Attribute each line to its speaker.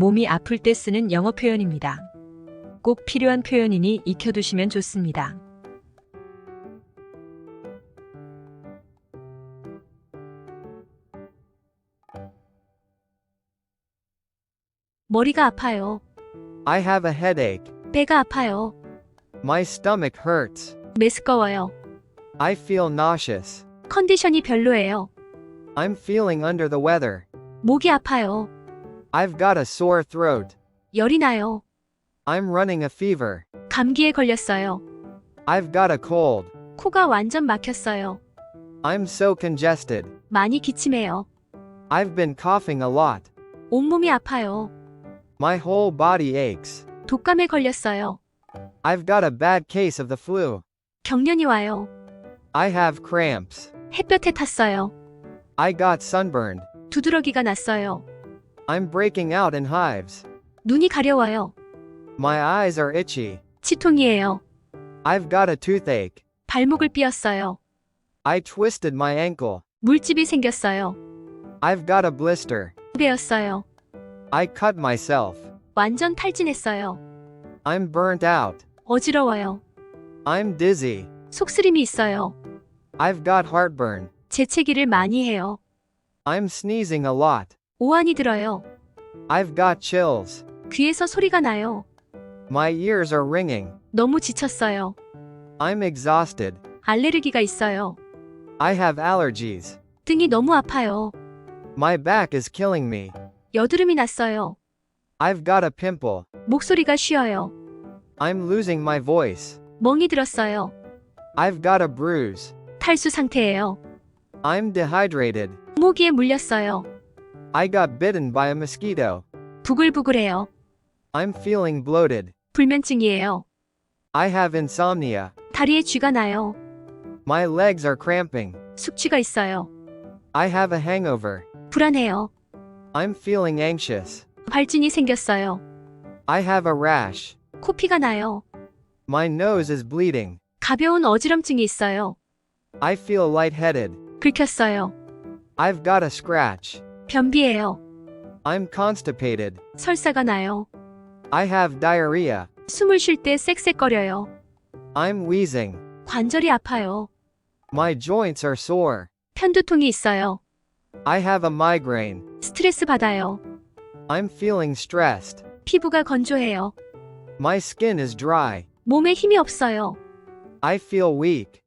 Speaker 1: 몸이 아플 때 쓰는 영어 표현입니다. 꼭 필요한 표현이니 익혀두시면 좋습니다.
Speaker 2: 머리가 아파요.
Speaker 3: I have a headache.
Speaker 2: 배가 아파요.
Speaker 3: My stomach hurts.
Speaker 2: 메스꺼워요.
Speaker 3: I feel nauseous.
Speaker 2: 컨디션이 별로예요.
Speaker 3: I'm feeling under the weather.
Speaker 2: 목이 아파요.
Speaker 3: I've got a sore throat.
Speaker 2: 열이 나요.
Speaker 3: I'm running a fever.
Speaker 2: 감기에 걸렸어요.
Speaker 3: I've got a cold.
Speaker 2: 코가 완전 막혔어요.
Speaker 3: I'm so congested.
Speaker 2: 많이 기침해요.
Speaker 3: I've been coughing a lot.
Speaker 2: 온몸이 아파요.
Speaker 3: My whole body aches.
Speaker 2: 독감에 걸렸어요.
Speaker 3: I've got a bad case of the flu.
Speaker 2: 경련이 와요.
Speaker 3: I have cramps.
Speaker 2: 햇볕에 탔어요.
Speaker 3: I got sunburned.
Speaker 2: 두드러기가 났어요.
Speaker 3: I'm breaking out in hives.
Speaker 2: 눈이 가려워요.
Speaker 3: My eyes are itchy.
Speaker 2: 치통이에요.
Speaker 3: I've got a toothache.
Speaker 2: 발목을 삐었어요.
Speaker 3: I twisted my ankle.
Speaker 2: 물집이 생겼어요.
Speaker 3: I've got a blister.
Speaker 2: 베었어요.
Speaker 3: I cut myself.
Speaker 2: 완전 탈진했어요.
Speaker 3: I'm burnt out.
Speaker 2: 어지러워요.
Speaker 3: I'm dizzy.
Speaker 2: 속쓰림이 있어요.
Speaker 3: I've got heartburn.
Speaker 2: 재채기를 많이 해요.
Speaker 3: I'm sneezing a lot.
Speaker 2: 오한이 들어요.
Speaker 3: I've got chills.
Speaker 2: 귀에서 소리가 나요.
Speaker 3: My ears are ringing.
Speaker 2: 너무 지쳤어요.
Speaker 3: I'm exhausted.
Speaker 2: 알레르기가 있어요.
Speaker 3: I have allergies.
Speaker 2: 등이 너무 아파요.
Speaker 3: My back is killing me.
Speaker 2: 여드름이 났어요.
Speaker 3: I've got a pimple.
Speaker 2: 목소리가 쉬어요.
Speaker 3: I'm losing my voice.
Speaker 2: 멍이 들었어요.
Speaker 3: I've got a bruise.
Speaker 2: 탈수 상태예요.
Speaker 3: I'm dehydrated.
Speaker 2: 모기에 물렸어요.
Speaker 3: I got bitten by a mosquito.
Speaker 2: 부글부글해요.
Speaker 3: I'm feeling bloated.
Speaker 2: 불면증이에요.
Speaker 3: I have insomnia.
Speaker 2: 다리에 쥐가 나요.
Speaker 3: My legs are cramping.
Speaker 2: 숙취가 있어요.
Speaker 3: I have a hangover.
Speaker 2: 불안해요.
Speaker 3: I'm feeling anxious.
Speaker 2: 발진이 생겼어요.
Speaker 3: I have a rash.
Speaker 2: 코피가 나요.
Speaker 3: My nose is bleeding.
Speaker 2: 가벼운 어지럼증이 있어요.
Speaker 3: I feel lightheaded.
Speaker 2: 긁혔어요.
Speaker 3: I've got a scratch.
Speaker 2: 변비예요.
Speaker 3: I'm constipated.
Speaker 2: 설사가 나요.
Speaker 3: I have diarrhea.
Speaker 2: 숨을 쉴 때 쌕쌕거려요.
Speaker 3: I'm wheezing.
Speaker 2: 관절이 아파요.
Speaker 3: My joints are sore.
Speaker 2: 편두통이 있어요.
Speaker 3: I have a migraine.
Speaker 2: 스트레스 받아요.
Speaker 3: I'm feeling stressed.
Speaker 2: 피부가 건조해요.
Speaker 3: My skin is dry.
Speaker 2: 몸에 힘이 없어요.
Speaker 3: I feel weak.